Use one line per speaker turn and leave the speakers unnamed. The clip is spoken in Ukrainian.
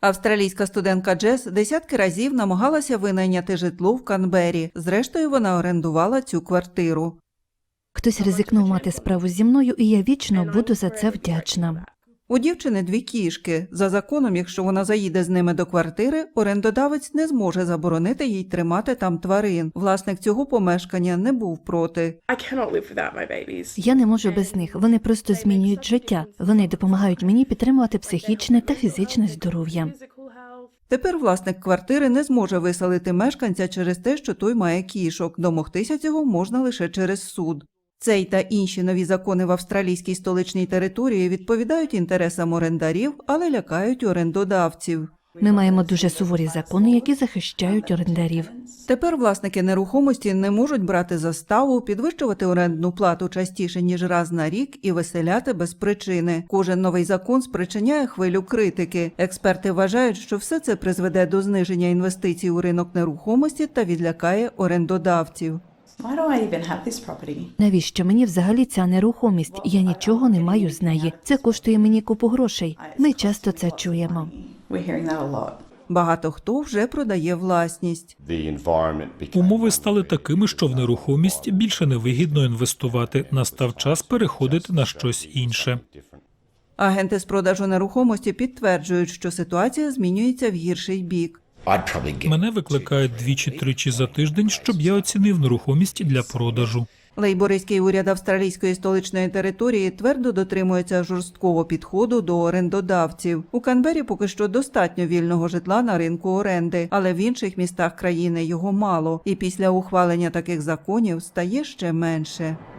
Австралійська студентка Джес десятки разів намагалася винайняти житло в Канбері. Зрештою, вона орендувала цю квартиру.
Хтось ризикнув мати справу зі мною, і я вічно буду за це вдячна.
У дівчини 2 кішки. За законом, якщо вона заїде з ними до квартири, орендодавець не зможе заборонити їй тримати там тварин. Власник цього помешкання не був проти.
Я не можу без них. Вони просто змінюють життя. Вони допомагають мені підтримувати психічне та фізичне здоров'я.
Тепер власник квартири не зможе виселити мешканця через те, що той має кішок. Домогтися цього можна лише через суд. Цей та інші нові закони в австралійській столичній території відповідають інтересам орендарів, але лякають орендодавців.
Ми маємо дуже суворі закони, які захищають орендарів.
Тепер власники нерухомості не можуть брати заставу, підвищувати орендну плату частіше, ніж раз на рік і виселяти без причини. Кожен новий закон спричиняє хвилю критики. Експерти вважають, що все це призведе до зниження інвестицій у ринок нерухомості та відлякає орендодавців.
Навіщо мені взагалі ця нерухомість? Я нічого не маю з неї. Це коштує мені купу грошей. Ми часто це чуємо.
Багато хто вже продає власність.
Умови стали такими, що в нерухомість більше невигідно інвестувати. Настав час переходити на щось інше.
Агенти з продажу нерухомості підтверджують, що ситуація змінюється в гірший бік.
Мене викликають 2-3 за тиждень, щоб я оцінив нерухомість для продажу.
Лейбористський уряд австралійської столичної території твердо дотримується жорсткого підходу до орендодавців. У Канбері поки що достатньо вільного житла на ринку оренди, але в інших містах країни його мало. І після ухвалення таких законів стає ще менше.